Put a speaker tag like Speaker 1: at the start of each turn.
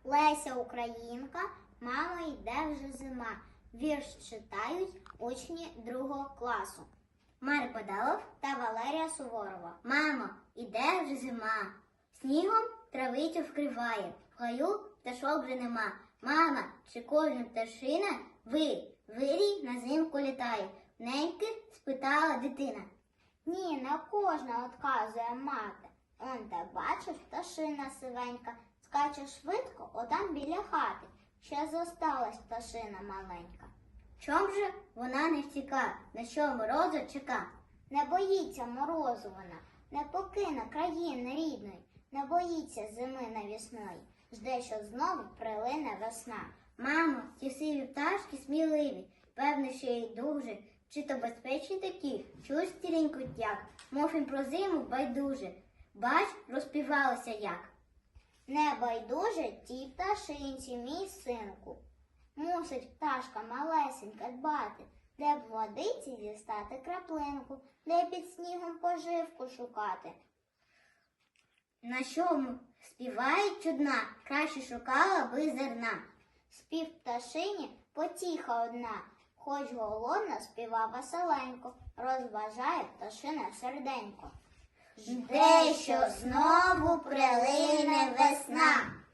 Speaker 1: Леся Українка, мамо, йде вже зима. Вірш читають учні 2 класу. Марк Бадалов та Валерія Суворова. Мамо, іде вже зима. Снігом травицю вкриває, в гаю пташок вже нема. Мама, чи кожна пташина вирій на зимку літає? Неньки спитала дитина. Ні, не кожна, отказує мати. Он та бачиш, пташина сивенька, скаче швидко, отам біля хати. Ще зосталась пташина маленька. Чом же вона не втіка, на що морозу чека? Не боїться морозу вона, не покине країни рідної, не боїться зими навісної, жде, що знову прилине весна. Мамо, ті сиві пташки сміливі, певне, що й дуже. Чи то безпечні такі, чуєш стіреньку тяк, мов їм про зиму байдуже. Бач, розпівалося як. Не байдуже тій пташинці, мій синку. Мусить пташка малесенька дбати, де б водиці дістати краплинку, де під снігом поживку шукати. На чому співає чудна, краще шукала би зерна. Спів пташині потіха одна, хоч голодна співа веселенько, розважає пташине серденько. Жде, що знову прилине весна.